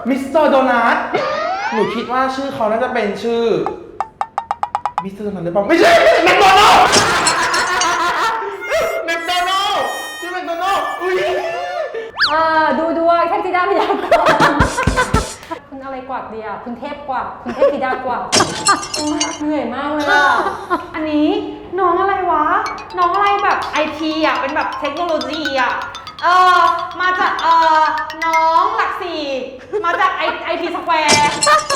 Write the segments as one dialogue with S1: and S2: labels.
S1: มิสเตอร์โดนัทหนูคิดว่าชื่อเขาน่าจะเป็นชื่อมิสเตอร์โดนัทหรือเปล่าไม่ใช่แมคโดนัลด์แมคโดนัลด์ชื่อแมคโดนัลด์อุ้ย
S2: ดูด้วยเทพธิดาพยากรณ์คุณอะไรกว่าเดียคุณเทพกว่าคุณเทพธิดากว่าเหนื่อยมากเลยอ่ะ
S3: อันนี้น้องอะไรวะน้องอะไรแบบไอทีอ่ะเป็นแบบเทคโนโลยีอ่ะมาจากน้องหลักสี่มาจากไอทีสแควร์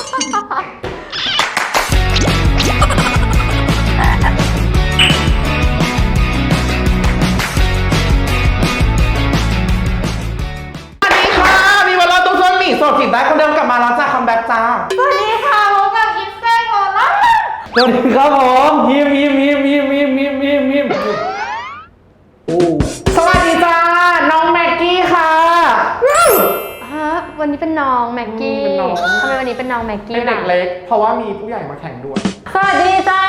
S1: โสดจีบได้คนเดิมกลับมาแล้วจ้าคัมแบ็กจ้า
S3: สวัสดีค่ะพบกับอิฟเซ่โรล่า
S1: สวัสดีครับผมยิ้มโอ้สวัสดีจ้าน้องแม็กกี้ค่ะ
S2: วันนี้เป็นน้องแม็กกี้ทำไมวันนี้เป็นน้องแม็กกี้
S1: เป็นเด็กเล็กเพราะว่ามีผู้ใหญ่มาแข่งด้วย
S2: สวัสดีจ้า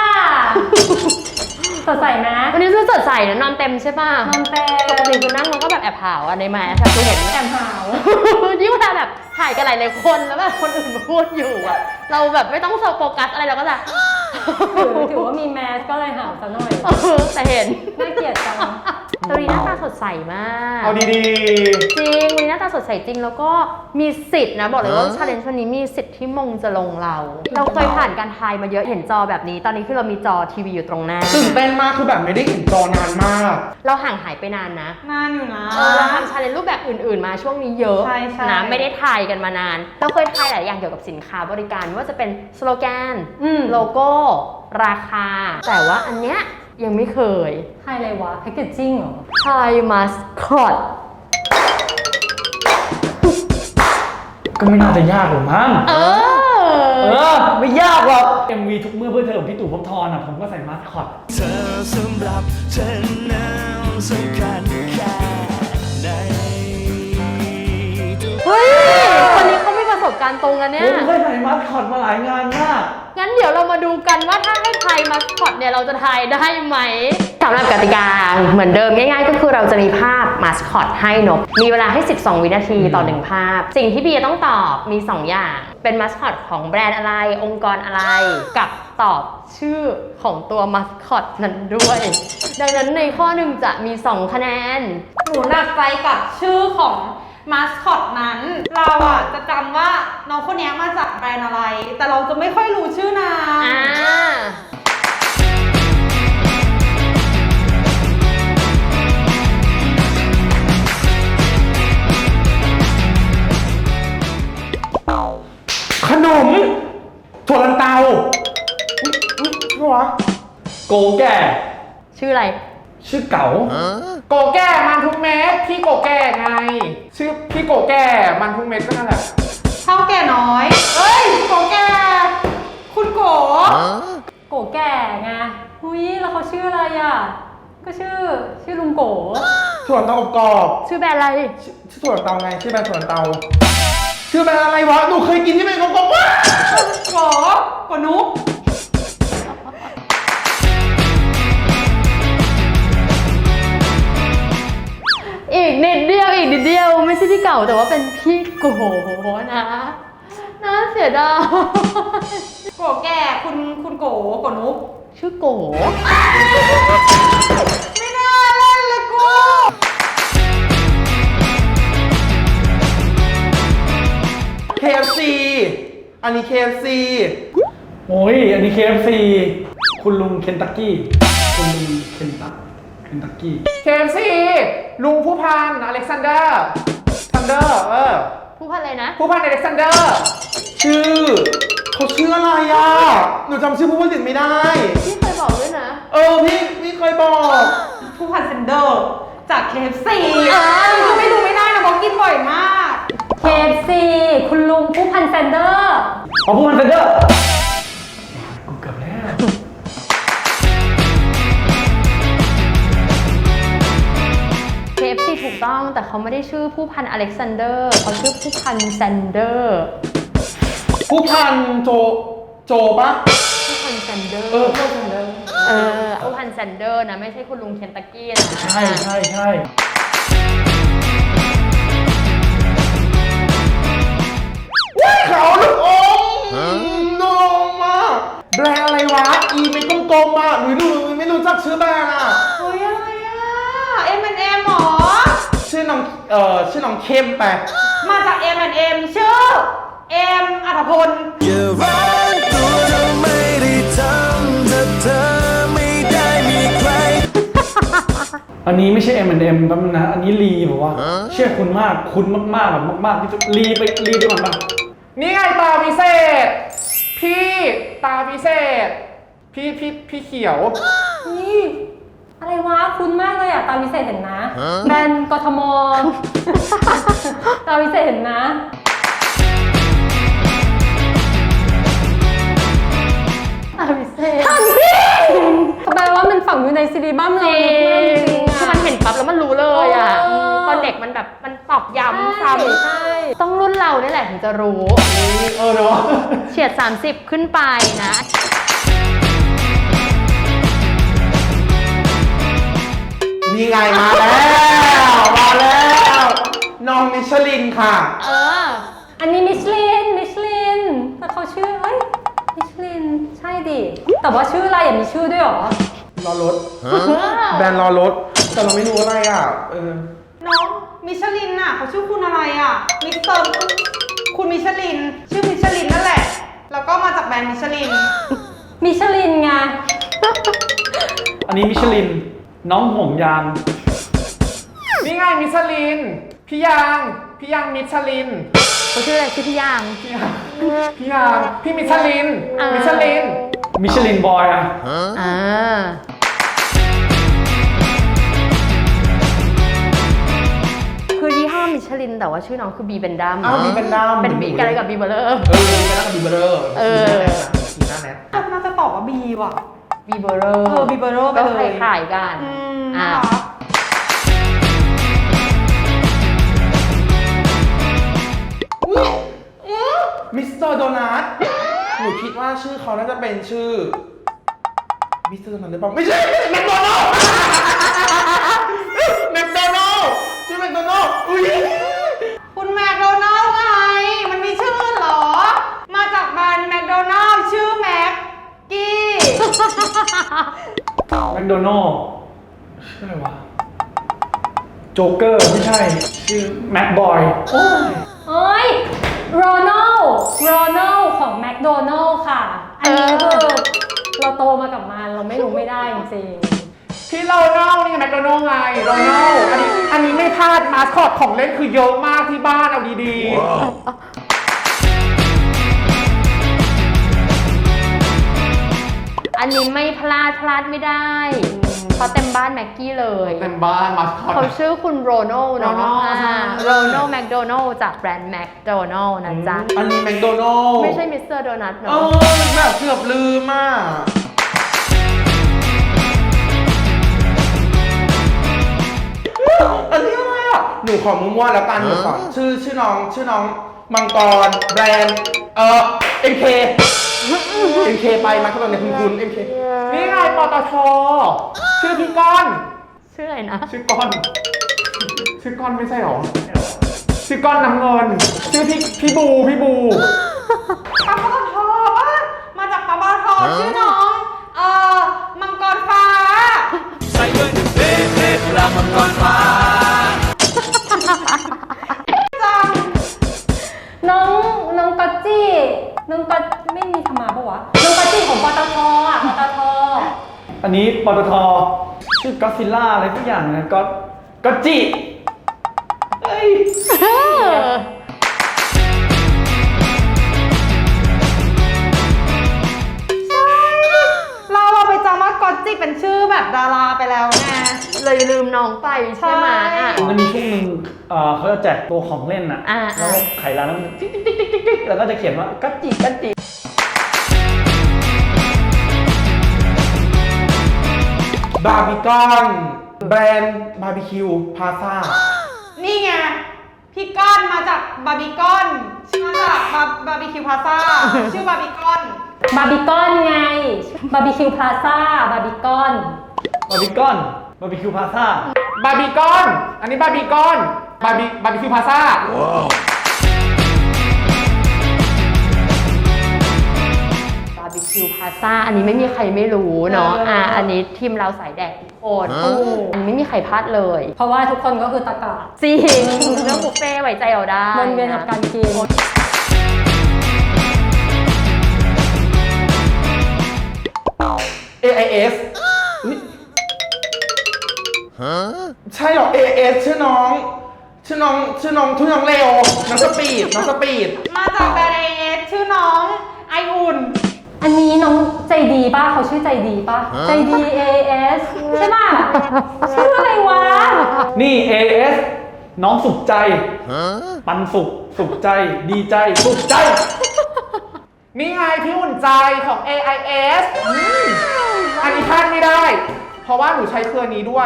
S2: สดใสไหม
S4: วันนี้สดใสนะนอนเต็มใช่ป่ะ
S2: นอนเต็ม
S4: ปกติคือนั่งมันก็แบบแอบหาวในมาค่ะคือเห็น
S2: แอบหาว
S4: ยิ่งเวลาแบบถ่ายกันหลายคนแล้วแบบคนอื่นมาพูดอยู่อะเราแบบไม่ต้องโฟกัสอะไรเราก็จะ
S2: ถือว่ามีแมสก็เลยหาวซะหน่อย
S4: แต่เห็น
S2: น่าเกลียดจัง
S4: ตัวนี้หน้าตาสดใสมาก
S1: เอาดี
S4: ๆจริงวันนี้หน้าตาสดใสจริงแล้วก็มีสิทธิ์นะบอกเลยว่าชาเลนจ์วันนี้มีสิทธิ์ที่มงจะลงเราเคยผ่านการทายมาเยอะเห็นจอแบบนี้ตอนนี้คือเรามีจอทีวีอยู่ตรงหน้า
S1: ตื่นเต้นมากคือแบบไม่ได้เห็นจอนานมาก
S4: เราห่างหายไปนานนะ
S3: นานอยู่นะ
S4: เราทำชาเลนจ์รูปแบบอื่นๆมาช่วงนี้เยอะนะไม่ได้ทายกันมานานเราเคยทายหลายอย่างเกี่ยวกับสินค้าบริการว่าจะเป็นสโลแกนโลโก้ราคาแต่ว่าอันเนี้ยยังไม่เคย
S2: ทายอะไรวะแพคเกจจิ้งเหรอ
S4: ทายมาสคอต
S1: ก็ไม่น่าจะยากหรอกมั้งไม่ยากหรอก MV ทุกเมื่อเพื่อเธอของพี่ตู่ภพบทรอ่ะผมก็ใส่มาสคอตเธอสำหรับเธอนั้นสำคัญแค่ไหน
S4: เฮ้ยคนนี้เขามีประสบการณ์ตรงกันเนี่ย
S1: ผมเคยใส่มาสคอตมาหลายงานมาก
S4: งั้นเดี๋ยวเรามาดูกันว่าถ้าให้ทายมาสคอตเนี่ยเราจะทายได้ไหมสำหรับกติกาเหมือนเดิมง่ายๆก็คือเราจะมีภาพมาสคอตให้นกมีเวลาให้12วินาทีต่อ1ภาพสิ่งที่บีต้องตอบมี2อย่างเป็นมาสคอตของแบรนด์อะไรองค์กรอะไรกับตอบชื่อของตัวมาสคอตนั้นด้วยดังนั้นในข้อหนึ่งจะมี2คะแนน
S3: หนูหนักใจกับชื่อของมาสคอตนั้นเราอ่ะจะจำว่าน้องคนนี้มาจากแบรนด์อะไรแต่เราจะไม่ค่อยรู้ชื่อนาง
S1: ขนมถั่วลันเตาชื่อวะโกแก่
S4: ชื่ออะไร
S1: ชื่อเก๋าโกแก่มันทุกเม็ดพี่โกแก่ไงชื่อพี่โกแก่มันทุกเม็ดก็นั่นแหละ
S3: เท่าแก่น้อยเอ้ยโกแก่คุณโก
S2: แก่ไงหุ้ยแล้วเขาชื่ออะไรอ่ะก็ชื่อลุงโก
S1: ถั่วลันเตาอบกรอบ
S4: ชื่อแบรนด์อะไร
S1: ชื่อถั่วลันเตาไงชื่อแบรนด์ถั่วลันเตาชื่อแบรนด์อะไรวะหนูเคยกินที่เป็นกลมๆว่า
S3: โกนุ๊ก
S4: อีกนิดเดียวไม่ใช่ที่เก่าแต่ว่าเป็นพี่โกนะน่าเสียดาย
S3: โกแก่คุณโกนุ๊ก
S4: ชื่อโก
S3: ไม่น่าเล่นเลยกู
S1: KFC อันนี้ KFC โอ้ยอันนี้ KFC คุณลุงเคนตักกี้คุณลุงเคนตักกี้ KFC ลุงผู้พันอเล็กซานเดอร์
S4: ผู้พันอะไรนะ
S1: ผู้พันอเล็กซานเดอร์ชื่อเขาชื่ออะไรอ่ะหนูจำชื่อผู้พันติดไม่ได้
S4: พี่เคยบอกด้วยนะ
S1: พี่เคยบอก
S3: ผู้พันเซนเดอร์จาก KFC คือไม่รู้ไม่ได้นะบอกกินบ่อยมาก
S2: KFC คุณลุงผู้พันแซนเดอร์
S1: ผู้พันแซนเดอร์กูเกือบแล้ว
S4: KFC ถูกต้องแต่เขาไม่ได้ชื่อผู้พันอเล็กซานเดอร์เขาชื่อผู้พันแซนเดอร์
S1: ผู้พันโจปะ
S4: ผู้พันแซนเดอร์
S1: ผู้พันแซนเดอร์
S4: ผู้พันแซนเดอร์นะไม่ใช่คุณลุงเคนตักกี้นะ
S1: ใช่ชื่อน้องเข้มไป
S3: มาจาก M&M ชื่อเอ็มอัธพล
S5: อย่าร้อนตัวเราไม่ได้ทำถ้าเธอไม่ได้มีใคร
S1: อันนี้ไม่ใช่ M&M แป๊บนึงนะ อันนี้ลีบอกว่า เชื่อคุณมาก คุณมากๆแบบมากๆที่สุดลีไปก่อนปะ
S6: นี่ไงตาพิเศษ พี่ตาพิเศษ พี่เขียว
S2: นี่อะไรวะคุณมากเลยอ่ะตาวิเศษเห็นนะแบรนด์กทม ตาวิเศษเห็นนะ ตาวิเศษแปลว่ามันฝังอยู่ในซีรีบัม
S4: จ
S2: เรา
S4: ริ
S2: ลึกมากจ
S4: ง
S2: ริงๆ
S4: คือ
S2: อะ
S4: มันเห็นปั๊บแล้วมันรู้เลยอ่ะ
S2: เออ
S4: ตอนเด็กมันแบบมันตอกย้ำซ้
S2: ใช่
S4: ำต้องรุ่นเราเนี่ยแหละถึงจะรู้
S1: เนาะ
S4: เฉียด 30 ขึ้นไปนะ
S1: นี่ไงมาแล้ว น้องมิชลินค่ะ
S4: เออ
S2: อันนี้มิชลินแต่เขาชื่อเอ้ยมิชลินใช่ดิแต่ว่าชื่ออะไรมีชื่อด้วยเหรอ
S1: รอรถ แบรนด์รอรถ แต่เราไม่รู้อะไรอ่ะ
S3: น้องมิชลินน่ะเขาชื่อคุณอะไรอ่ะมิสเตอร์คุณมิชลิน ชื่อมิชลินนั่นแหละ แล้วก็มาจากแบรนด์มิชลิน
S2: มิชลินไง
S1: อันนี้มิชลิน น้องห่วงยาง
S6: นี่ไงมิชลิน พี่ยางมิชลิน
S4: เขาชื่ออะไรชื่อพี่ยาง
S6: พี่ยางพี่มิชลิน มิชลิน
S1: มิชลินบอยอ่ะ
S4: อ่า คือยี่ห้อมิชลินแต่ว่าชื่อน้องคือบีเบนดัม
S1: อ้าวบีเบนดัม
S4: เป็นบีกันอะไรกับบีเบลเลอร์
S1: มีกันแล้วกับบีเบอร์
S4: เออ
S1: ทีน่าแนท
S3: น่าจะตอบว่าบีว่ะ
S4: บีเบลเลอร์
S3: บีเบอร์ไป
S4: ก็
S3: เลย
S4: คล้ายๆกัน
S3: น่า
S4: อ่ะ
S3: รัก
S1: มิสเตอร์โดนัท หนูคิดว่าชื่อเขาน่าจะเป็นชื่อ มิสเตอร์โดนัทหรือเปล่า ไม่ใช่แมคโดนัลด์แมคโดนัลด์ชื่อแมคโดนัลด์อุ้ย
S3: คุณแมคโดนัลด์ไง มันมีชื่ออื่นเหรอ มาจากแบรนด์แมคโดนัลด์ชื่อแม็กกี้
S1: แมคโดนัลด์ชื่ออะไรวะ โจ๊กเกอร์ไม่ใช่ ชื่อแม็กบอย
S2: เอ้ยโรนัลของแมคโดนัลค่ะ อันนี้คือเราโตมากับมันเราไม่รู้ไม่ได้จริง
S6: พี่โรนัลนี่ไงแมคโดนัลไงโรนัลอันนี้ไม่พลาดมาสคอตของเล่นคือเยอะมากที่บ้านเอาดี
S4: อันนี้ไม่พลาดไม่ได้เพราะเต็มบ้านแม็กกี้เลย
S6: ๆเต็มบ้านมาสคอต
S4: เขาชื่อคุณโรนัลเนาะ
S6: Ronald ใช่
S4: โรนัลแมคโดนัลจากแบรนด์แมคโดนัลนะจ๊ะ
S1: อันนี้แมคโดนัลด์
S4: ไม่ใช่มิสเตอร์โดนัท
S1: เอ
S4: เนาะ
S1: อแบบเกือบลืมอ่ะ อันนี้อะไรอ่ะ หนูขอมั่วๆแล้วกัน หนูขอชื่อน้องมังกรแบรนด์MK ไปมาเข้ามาในคุณ MK
S6: นี่ไงปตทชื่อพี่ก้อน
S4: ชื่ออะไรนะ
S6: ชื่อก้อนไม่ใช่หรอ ชื่อก้อนน้ำเงิน ชื่อพี่บู
S3: ปั๊มปตทป่ะมาจากปั๊มปตทชื่อน้อง มังกรฟ้า
S5: ใส่เงินเป๊ะๆรามังกรฟ้า
S3: จัง
S2: ๆ น้องกัจจี้น้องกัจไม่มีธรรมาปะวะน้องกัจจี้ของปตทอ่ะปตท
S1: อันนี้ปตท ชื่อก็ซิลล่าอะไรทุกอย่างนะก็จิเอ้ย
S3: เราไปจำว่ากอตจิเป็นชื่อแบบดาราไปแล้วไง
S4: เลยลืมน้องไปใช่ไหม
S3: ใช่
S4: อ่ะ
S1: มันจะมีช่วงหนึ่งเขาจะแจกตัวของเล่นอ่ะ
S4: อ่า
S1: แล้วไขร้านแล้วมันติ๊กแล้วก็จะเขียนว่ากัจจิ บาร์บีคอนแบรนด์บาร์บีคิวพาซ่า
S3: นี่ไง พี่ก้อนมาจากบาร์บีคอนมาจากบาร์บีคิวพาซ่า ชื่อบาร์บีคอน
S2: บาร์บีคอนไงบาร์บีคิวพลาซ่าบาร์บีคอน
S1: บาร์บีคิวพาซ่า
S6: บาร์บีคอน อันนี้บาร์บีคอน บาร์บีคิวพาซ่า
S4: บาร์บีคิวพาซ Plaza อันนี้ไม่มีใครไม่รู้เนาะอันนี้ทีมเราสายแดกทุกคนอันนี้ไม่มีใครพลาดเลย
S2: เพราะว่าทุกคนก็คือตะกะ
S4: จริงเรื่องบุฟเฟ่ต์ไว้ใจเราได้
S2: วนเวียนกับการกิน
S1: AIS อุ๊ยใช่เหรอ AIS ชื่อน้องเลวน้องสปีด
S3: มาจากแบรนด์ AS ชื่อน้องไออุ่น
S2: อันนี้น้องใจดีป่ะเขาชื่อใจดีป่ะใจดี AS ใช่ป่ะชื่ออะไรวะ
S1: นี่ AS น้องสุขใจปันสุขใจดีใจสุขใจ
S6: นี่ไงพี่อุ่นใจของ AIS อันนี้พลาดไม่ได้ เพราะว่าหนูใช้เครือนี้ด้วย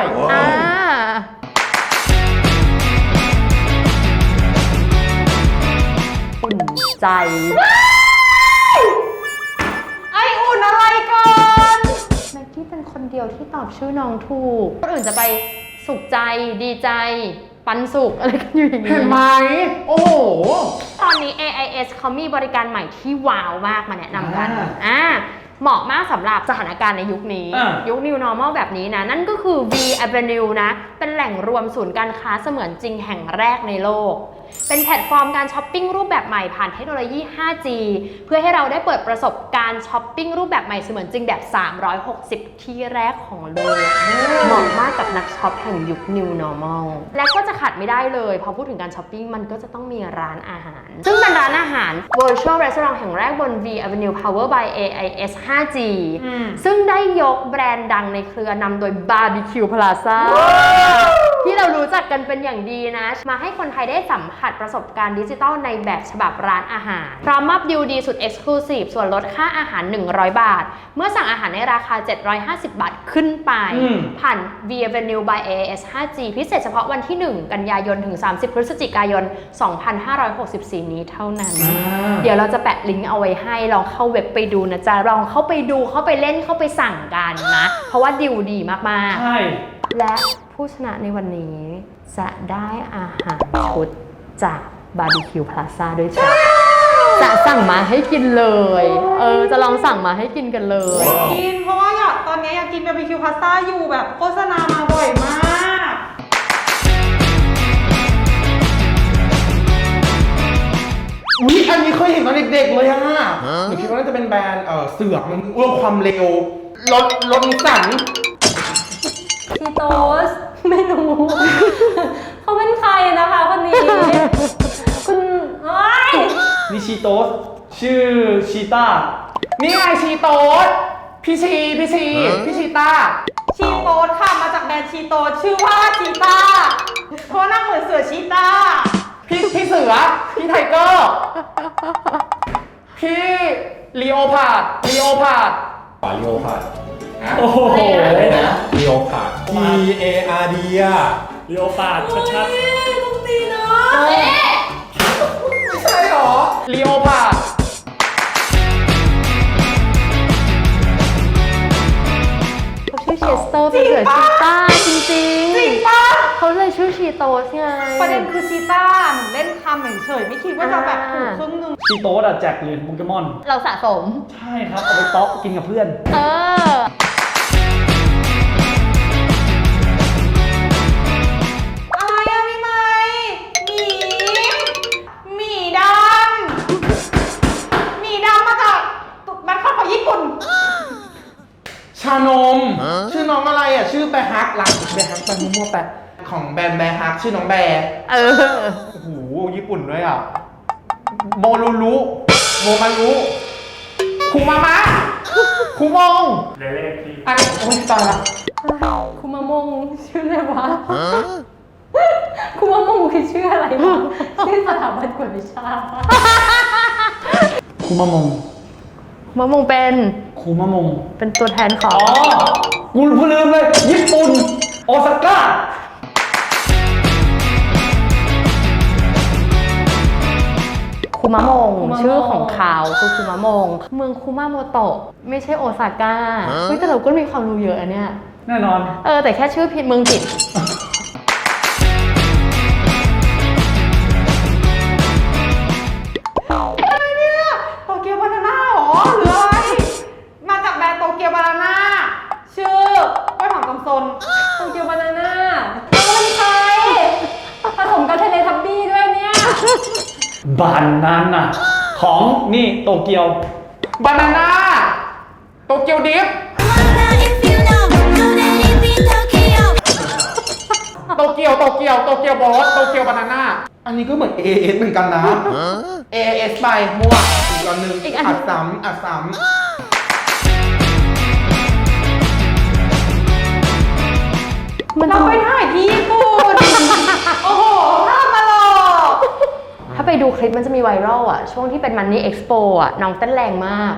S4: อุ่นใจ
S3: ไออุ่นอะไรก่อน
S4: แม็กกี้เป็นคนเดียวที่ตอบชื่อน้องถูกคนอื่นจะไปสุขใจดีใจ ปันสุขอะไรกันอยู่อย่างนี้
S6: เห็นไหมโอ้โห
S4: ตอนนี้ AIS เขามีบริการใหม่ที่ว้าวมากมาแนะนำกัน เหมาะมากสำหรับสถานการณ์ในยุคนี้ ยุค New Normal แบบนี้นะ นั่นก็คือ V Avenue นะ เป็นแหล่งรวมศูนย์การค้าเสมือนจริงแห่งแรกในโลก เป็นแพลตฟอร์มการช้อปปิ้งรูปแบบใหม่ผ่านเทคโนโลยี 5G เพื่อให้เราได้เปิดประสบการณ์ช้อปปิ้งรูปแบบใหม่เสมือนจริงแบบ 360 ที่แรกของโลก เหมาะมากกับนักช็อปแห่งยุค New Normal และก็จะขาดไม่ได้เลยพอพูดถึงการช้อปปิ้งมันก็จะต้องมีร้านอาหาร ซึ่งเป็นร้านอาหาร Virtual Restaurant แห่งแรกบน V Avenue Power by AIS 5G ซึ่งได้ยกแบรนด์ดังในเครือนำโดย Barbecue Plaza ที่เรารู้จักกันเป็นอย่างดีนะ มาให้คนไทยได้สัมผัสประสบการณ์ดิจิทัลในแบบฉบับร้านอาหาร พร้อมมอบดีลดีสุด Exclusive ส่วนลดค่าอาหาร 100 บาท เมื่อสั่งอาหารในราคา 750 บาทขึ้นไป ผ่าน V Avenue by AIS 5G พิเศษเฉพาะวันที่ 1 กันยายนถึง 30 พฤศจิกายน 2564 นี้เท่านั้น เดี๋ยวเราจะแปะลิงก์เอาไว้ให้ลองเข้าเว็บไปดูนะจ๊ะลองเข้าไปดูเข้าไปเล่นเข้าไปสั่งกันนะ เพราะว่าดีลดีมากๆ
S1: ใช่
S4: และผู้ชนะในวันนี้จะได้อาหารชุดจาก Barbecue Plaza ด้วยจ้ะจะสั่งมาให้กินเลย จะลองสั่งมาให้กินกันเลย
S3: กินเพราะว่าตอนนี้อยากกินบาร์บีคิวพาสต้าอยู่แบบโฆษณามาบ่อยมาก
S1: อุ๊ยอันนี้เคยเห็นตอนเด็กๆเลยอะหนูคิดว่าน่าจะเป็นแบรนด์เสือกมันเรื่องความเร็วรถนิสสัน
S2: ชีโตสไม่รู้ เขาเป็นใครนะคะคนนี้ คุณเอ้ย
S1: นิชิโตสชื่อชีต้า
S6: นี่ไงชีโต๊ดพี่ชีต้า
S3: ชีโตสค่ะมาจากแบรนด์ชีโตสชื่อว่าชีต้าเพราะหน้าเหมือนเสือชีต้า
S6: พี่เสือ พี่ไทเกอร์ พี่ลีโอพาร์ด
S7: ปาลิโอพาด
S1: โอ้โห
S7: อะไรนะลีโอพาด PARD อ่ะ
S1: เรียวปาดชัด
S6: ไม่ใช่หรอลีโอพาร์ด
S4: เขาชื่อเชสเตอร์เป็นเสือชีต้าจริง
S3: จริงปะ
S4: เขาเลยชื่อชีโตสไง
S3: ประเด็นคือชีต้าหนูเล่นคำเฉยๆไม่คิดว่าจะแบบถูกครึ่งหนึง
S1: ๆชีโตสอะแจกเหรียญโปเกมอน
S4: เราสะสม
S1: ใช่ครับ เอาไปต๊อกกินกับเพื่อน
S3: อะไรอะพี่ไม้หมีดำมาจากแบงคอกของญี่ปุ่น
S1: ชานม ชื่อน้องอะไรอ่ะ ชื่อแบร์ฮักรักแบร์ฮักแบร์มั่วๆแปะของแบรนด์แบร์ฮักชื่อน้องแบร์
S6: โอ้โห ญี่ปุ่นด้วยอ่ะ โมมารุคูมามะคูมงอันนี้โอ้ยตายละ
S2: คุมามงชื่ออะไรวะ คุมามงคือชื่ออะไรวะชื่อสถาบันกวดวิชา
S1: คูมามง
S4: มะมงเป็น
S1: คูมามง
S4: เป็นตัวแทนของ
S1: อ๋อ กูเพิ่งลืมเลย ญี่ปุ่น โอซาก้า
S4: คุมะมง ชื่อของเขาคือคุมะมง เมืองคุมาโมโตะไม่ใช่โอซาก้าเฮ้ยแต่เราก็มีความรู้เยอะอะเนี่ย
S1: แน่นอน
S4: แต่แค่ชื่อผิดเมืองผิด
S3: โตเกียวบานาน่าหรอหรืออะไรมาจาก
S1: บานนั้นน่ะ ของนี่โตเกียว
S6: บานาน่าโตเกียวดิฟ
S5: If you know, you live in Tokyo.
S6: โตเกียวโบสโตเกียวบานาน่า
S7: อันนี้ก็เหมือน AS เหมือนกันนะ AS ไปมั่วอีกอันหนึ่ง
S4: อีกอัน
S7: อัดซ้ำอัดซ้
S4: มัน
S3: เรา
S4: จะ
S3: ไปถ่ายที่ญี่ปุ่น โอ้โหภาพมาหลอก
S4: ถ้าไปดูคลิปมันจะมีไวรัลอ่ะ ช่วงที่เป็นมันนี่เอ็กซ์โปอ่ะ น้องเต้นแรงมาก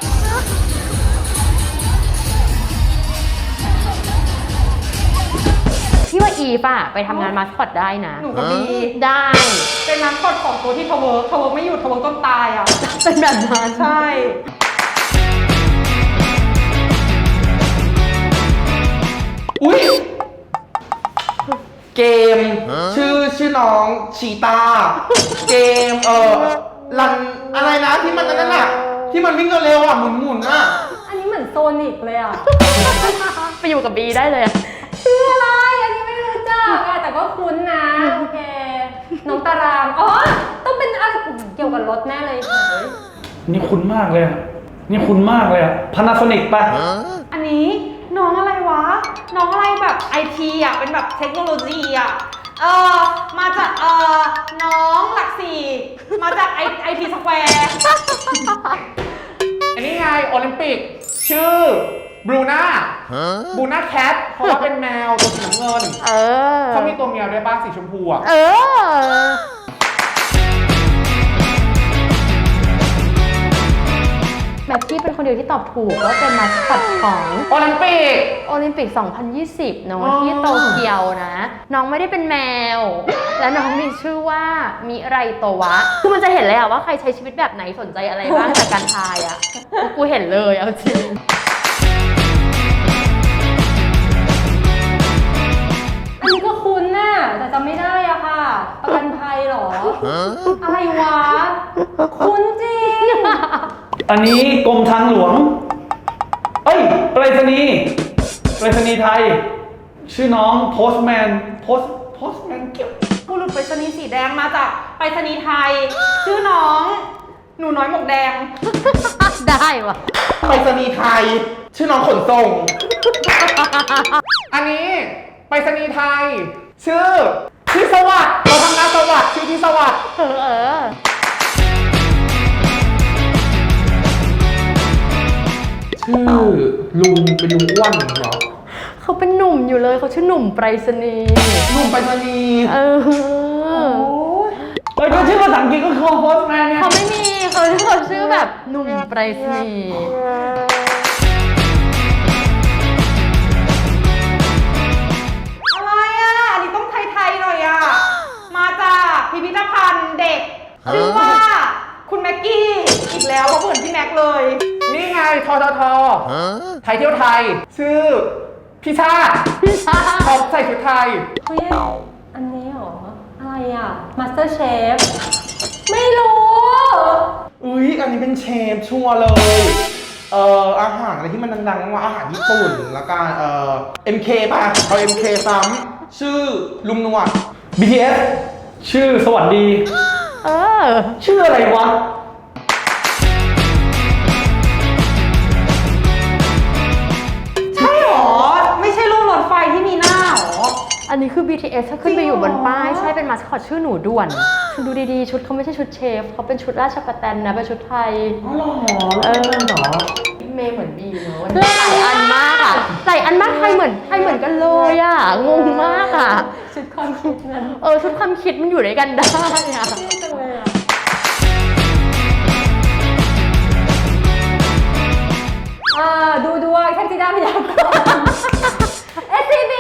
S4: พี่ว่าอีฟอะไปทำงานมาสคอตได้นะ
S3: หนูกับบี
S4: ได้
S3: เป็นน้ำกดของตัวที่ทเวิร์กไม่หยุดทเวิร์กต้นตายอ่ะ
S4: เป็นแบบนั้น
S3: ใช่
S7: ำอุ้ยเกม ชื่อน้องชีตา เกมรันอะไรนะที่มันอันนั้นน่ะ ที่มันวิ่งเร็วๆอ่ะหมุนๆอ่ะ
S2: อันนี้เหมือนโซนิกเลยอ่ะ
S4: ไปอยู่กับบีได้เลยอะ
S2: ชื่ออะไร อันนี้ไม่รู้จักอะแต่ก็คุ้นนะ โอเค น้องตาราง อ๋อ ต้องเป็นอะไรเกี่ยวกับรถแน่เลยเฮ้ย
S1: นี่คุ้นมากเลยอะนี่คุ้นมากเลยอะพานาโซนิกปะ
S3: อันนี้น้องอะไรวะ น้องอะไรแบบไอทีอ่ะ เป็นแบบเทคโนโลยีอ่ะ มาจากน้องหลักสี่ มาจากไอทีสแควร์
S6: อันนี้ไงโอลิมปิก ชื่อบรูน่าแคทเพราะว่าเป็นแมวตัวสีน้ำเงิน
S4: เออ
S6: เขามีตัวเมียด้วยบ้างสีชมพูอ่ะ
S4: เออ แบบพี่เป็นคนเดียวที่ตอบถูกว่าเป็นมาสคอตของ
S6: โอลิมปิก
S4: โอลิมปิก 2020 เนอะที่โตเกียวนะ น้องไม่ได้เป็นแมว และน้องมีชื่อว่ามิไรโตวะ คือมันจะเห็นเลยอะว่าใครใช้ชีวิตแบบไหนสนใจอะไรบ้างจากการทายอะกูเห็นเลยเอาจริง
S2: อันนี้ก็คุ้นน่ะ แต่จำไม่ได้อะค่ะ ประกันภัยเหรอ อะไรวะ คุ้นจริง
S1: อันนี้กรมทางหลวง เอ้ยไปรษณีย์ไทย ชื่อน้องโพสแมนเกี่ยว
S3: ผู้หลุดไปรษณีย์สีแดงมาจากไปรษณีย์ไทย ชื่อน้องหนูน้อยหมวกแดง
S4: ได้วะ
S7: ไปรษณีย์ไทย ชื่อน้องขนส่ง
S6: อันนี้ไปรษณีย์ไทย ชื่อที่สวัสดิ์เราทำงานสวัสดิ์ชื่อที่สวัสดิ์
S4: เออ
S7: ชื่อลุงเป็นลุงอ้วนเหรอ
S4: เขาเป็นหนุ่มอยู่เลยเขาชื่อหนุ่มไปรษณีย์
S7: ลุงไปรษณีย์
S4: เออ
S1: เอ้ยก็ชื่อภาษาอังกฤษก็คือโพสแมนเนี่ย
S4: เขาไม่มีเขาชื่อแบบหนุ่มไปรษณีย์
S3: อะไรอ่ะ อันนี้ต้องไทยๆหน่อยอ่ะ มาจากพิพิธภัณฑ์เด็ก ชื่อว่าคุณแม็กกี้อีกแล้วเขาเหมือนพี่แม็กเลย
S6: นี่ไงทไทยเที่ยวไทย ชื่อพี่ชาติเขาใส่ชุดไทย
S2: เฮ้ย อันนี้เหรอ อะไรอ่ะ Master Chef ไม่รู้
S7: อุ้ยอันนี้เป็นเชฟชัวร์เลย อาหารอะไรที่มันดังๆว่าอาหารญี่ปุ่นแล้วกันMK ป่ะเอา MK ซ้ำชื่อลุงหนวด
S1: BTS ชื่อสวัสดี
S4: เออ
S1: ชื่ออะไรวะ
S3: ใช่หรอ ไม่ใช่รูปรถไฟที่มีหน้าหรอ
S4: อันนี้คือ BTS ถ้าขึ้นไปอยู่บนป้าย
S3: จริงเหรอ
S4: ใช่เป็นมาสคอตชื่อหนูด่วนคุณดูดีๆ ชุดเขาไม่ใช่ชุดเชฟเขาเป็นชุดราชประแตนนะ เป็นชุดไทย
S7: อ๋อเหรอแล้วเป็นเหรอ
S4: เมย์เหมือนบีเนอะวันนี้หลายอันมากอะหลายอันมากไทยเหมือนกันเลยอะงงมากอะ
S2: ชุดความคิดนั้น
S4: ชุดความคิดมันอยู่ด้วยกันได้อะ
S2: จังเลยอ่ะ ดูด้วยแค่ที่ได้พยากรณ์ SCB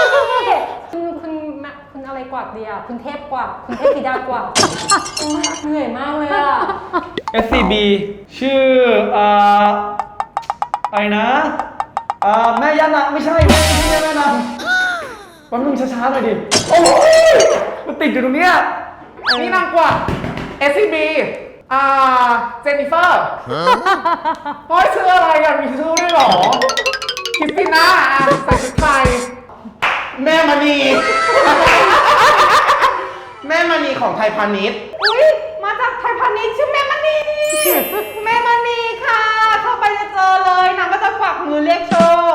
S2: คุณอะไรกว่าดีอ่ะ คุณเทพกว่า คุณเทพธิดากว่าเหนื่อยมากเลยอ่ะ
S1: SCB ชื่ออะไรนะแม่ย่านางไม่ใช่แม่นางแป๊บนึงช้าๆหน่อยดิ โอ้ยมันติดอยู่ตรงเนี้ย
S6: นี่นางกว่า SCB เจนนิเฟอร์เฮ้ยชื่ออะไรกันมีชื่อด้วยเหรอคริสติน่าใส่ชุดไทย
S7: แม่มณีแม่มณีของไทยพาณิชย์
S3: อุ้ยมาจากไทยพาณิชย์ชื่อแม่มณี แม่มณีค่ะ เข้าไปจะเจอเลยนางก็จะกวักมือเรียกโชค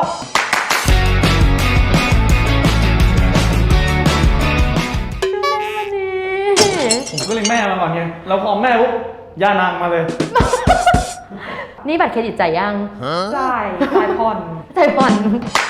S1: ผมก็เลยแม่มาก่อนไงแล้วพอแม่ปุ๊บย่านางมาเลย
S4: นี่บัตรเครดิตจ่ายยัง
S3: จ่ายผ่อน
S4: จ่ายผ่อน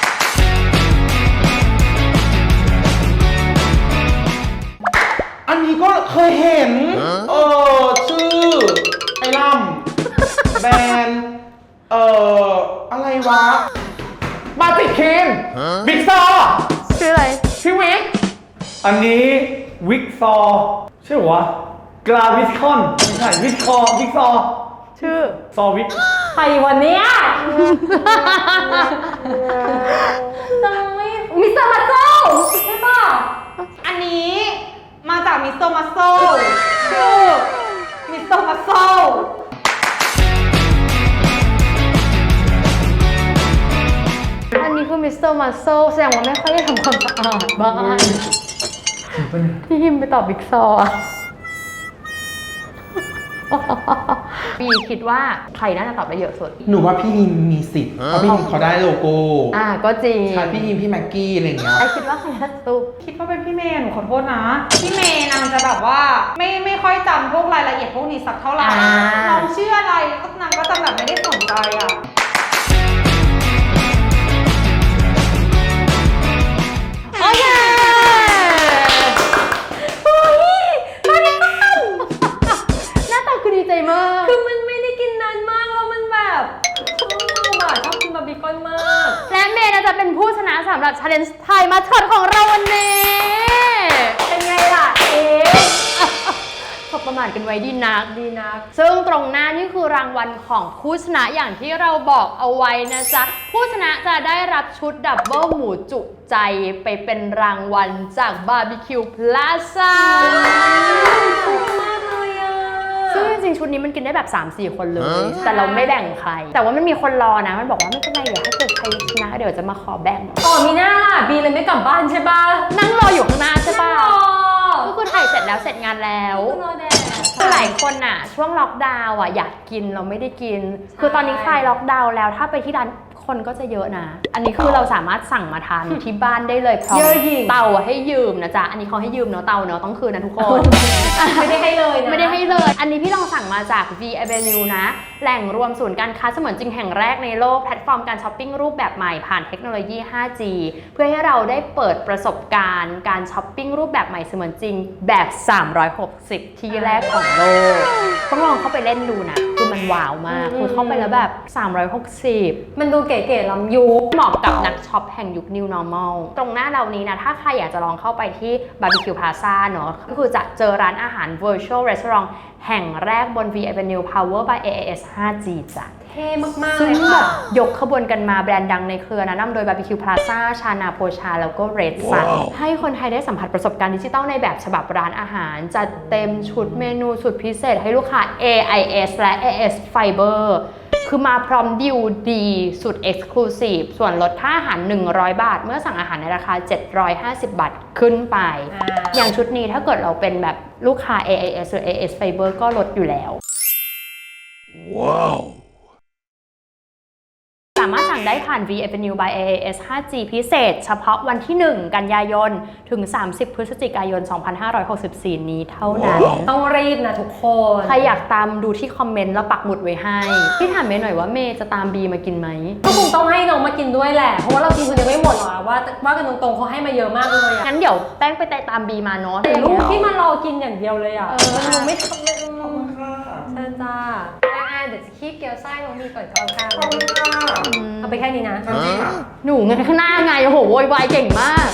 S7: อันนี้ก็เคยเห็น ชื่อ ไอ้ล่ำแบรนด์อะไรวะ
S6: มาติคินบิ๊กซอ
S4: ชื่ออะไร
S6: พี่วิก
S1: อันนี้วิกซอใช่เหรอวะกราวิสคอนไม่ใช่วิกซอ
S4: ชื่อ
S1: ซอวิก
S2: ใครวันเนี้ยทำไมมิสเตอร์มัสโซใช่ป่ะ
S3: อันนี้มาจากมิสเตอร์มัสโซชื่อมิสเตอร์มัสโซ
S4: อันนี้คือมิสเตอร์มัสโซแสดงว่าไม่ค่อยได้ทำความสะอาดบ้านพี่ฮิมไปตอบบิ๊กซออะบีคิดว่าใครน่าจะตอบได้เยอะสุด
S7: หนูว่าพี่ฮิมมีสิทธิ์เพราะพี่ฮิมเขาได้โลโก้
S4: ก็จริง
S7: ใช่พี่ฮิมพี่แม็กกี้อะไรอย่างเงี้ย
S4: ไอคิดว่าใครน่าจะตุ๊ก
S3: คิดว่าเป็นพี่เมย์หนูขอโทษนะ พี่เมย์นางจะแบบว่าไม่ค่อยจำพวกรายละเอียดพวกนี้สักเท่าไหร่
S4: อ่า
S3: น้องชื่ออะไรก็นางก็จะแบบไม่ได้สนใจอ่ะ
S4: โอเคโอ้ยมาในบ้านหน้าตาคือดีใจมาก
S2: คือมันไม่ได้กินนานมากแล้วมันแบบชอบกินบาร์บีคอนมาก
S4: และเมย์จะเป็นผู้ชนะสำหรับ Challenge ไทยมาสคอตของเราวันนี้
S2: เป็นไงล่ะ
S4: ขอบประมาทกันไว้ดีนัก
S2: ดีนัก
S4: ซึ่งตรงหน้านี่คือรางวัลของผู้ชนะอย่างที่เราบอกเอาไว้นะจ๊ะ ผู้ชนะจะได้รับชุดดับเบิลหมูจุใจไปเป็นรางวัลจากบาร์บีคิวพลาซ่า
S2: มากเลยอ่ะ
S4: ซึ่งจริงๆชุดนี้มันกินได้แบบ 3-4 คนเลย แต่เราไม่แบ่งใคร แต่ว่ามันมีคนรอนะ มันบอกว่าไม่เป็นไรเดี๋ยวถ้าเกิดใครชนะเดี๋ยวจะมาขอแบ่ง
S2: มีหน้าบีเลยไม่กลับบ้านใช่ป่ะ
S4: นั่งรออยู่ข้างหน้าใช่ปะ
S2: นั่งรอ
S4: ก็คือถ่ายเสร็จแล้วเสร็จงานแล้ว
S2: รอแดด
S4: คือหลายคนอ่ะช่วงล็อกดาวน์อ่ะอยากกินเราไม่ได้กิน คือตอนนี้คลายล็อกดาวน์แล้วถ้าไปที่ร้านคนก็จะเยอะนะ อันนี้คือเราสามารถสั่งมาทานที่บ้านได้เลยพร้อมเตาให้ยืมนะจ๊ะ อันนี้เขาให้ยืมเนาะเตาเนาะต้องคืนนะทุกคน
S2: ไม่ได้ให้เลยนะ
S4: ไม่ได้ให้เลย อันนี้พี่ลองสั่งมาจาก V Avenue นะ แหล่งรวมศูนย์การค้าเสมือนจริงแห่งแรกในโลกแพลตฟอร์มการช้อปปิ้งรูปแบบใหม่ผ่านเทคโนโลยี 5G เพื่อให้เราได้เปิดประสบการณ์การช้อปปิ้งรูปแบบใหม่เสมือนจริงแบบ 360 ที่แรกของโลก ต้องลองเข้าไปเล่นดูนะ คือมันว้าวมาก คือเข้าไปแล้วแบบ 360
S2: มันดูเก๋ๆล้ำยุค
S4: เหมาะกับนักช็อปแห่งยุค New Normal ตรงหน้าเรานี้นะ ถ้าใครอยากจะลองเข้าไปที่ Barbecue Plaza เนอะก็คือจะเจอร้านอาหาร Virtual Restaurant แห่งแรกบน V Avenue Power by AIS 5G จ้ะ
S2: เท่มากๆ
S4: ซึ่
S2: เล
S4: ง
S2: ย
S4: แบ
S2: ค่ะ
S4: บยกขบวนกันมาแบรนด์ดังในเครือนะนำโดย Barbecue Plaza ชานาโพชาแล้วก็ Red Sun ให้คนไทยได้สัมผัสประสบการณ์ดิจิทัลในแบบฉบับร้านอาหาร จัดเต็มชุดเมนูสุดพิเศษให้ลูกค้า AIS และ AIS Fiber คือมาพร้อมดิวดีสุด Exclusive ส่วนลดค่าอาหาร 100 บาท เมื่อสั่งอาหารในราคา 750 บาทขึ้นไป อย่างชุดนี้ถ้าเกิดเราเป็นแบบลูกค้า AIS หรือ AIS Fiber ก็ลดอยู่แล้ว สามารถสั่งได้ผ่าน V Avenue by AIS 5G พิเศษ เฉพาะวันที่ 1 กันยายน ถึง 30 พฤศจิกายน 2564 นี้เท่านั้น
S2: ต้องรีบนะทุกคน
S4: ใครอยากตามดูที่คอมเมนต์แล้วปักหมุดไว้ให้ พี่ถามเมย์หน่อยว่าเมย์จะตามบีมากินไหม
S2: ก็คงต้องให้น้องมากินด้วยแหละ เพราะว่าเรากินคนเดียวไม่หมดหรอกว่ากันตรงๆเขาให้มาเยอะมากเลยอะ
S4: งั้นเดี๋ยวแป้งไปตามบีมาเนาะ
S2: แต่ลูกที่มารอกินอย่างเดียวเลยอ่ะ
S4: มันดูไม่ทำเลย
S2: ใช่จ้าเดี๋ยวจะคีบเกี๊ยวไส้น้องบีก่อนก็แล้วกัน
S7: ขอบคุณค่ะ
S2: เอาไปแค่นี้นะ
S7: น้ำจิ้มค่ะ
S4: หนูเงินข้างหน้าไงโอ้โหโวยวายเก่งมาก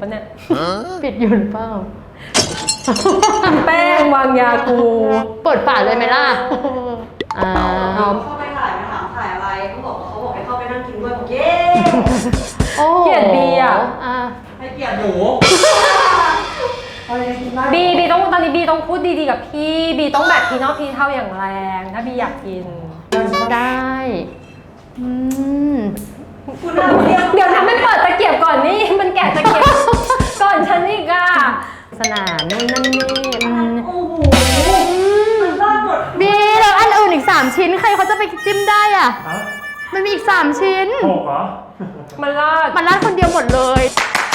S2: ปะเนี่ย
S4: ปิดอยู่หรือเปล่า
S2: แป้งวางยากู
S4: เปิดฝาเลยไหมล่ะอ่า
S2: เอา
S3: เข้าไปถ่ายมาถามถ่ายอะไรเขาบอกให้เข้าไปนั่งกินด้วยบอกเย้
S4: โอ้โห
S2: เกลียดบีอ่ะ
S3: ให้เกียรติ
S7: หนูไปกินได้
S2: บีต้องตอนนี้บีต้องพูดดีๆกับพี่บีต้องแบบพี่นอกพี่เท่าอย่างแรง ถ้าบีอยากกิน
S4: ได้อืม
S3: คุณน่าเรียก
S2: เดี๋ยวนะไม่เปิดตะเกียบก่อนนี่มันแกะตะเกียบ ก่อนฉันอีกอ่ะ
S4: สนานนู่นนั่นนี่อืม
S3: โอ้โหมันรอดหมด
S4: บีแล้วอันอื่นอีก 3 ชิ้นใครเขาจะไปจิ้มได้อ่ะ มันมีอีก 3 ชิ้น
S1: โหกเหรอ
S2: มันลาด
S4: มันราดคนเดียวหมดเลย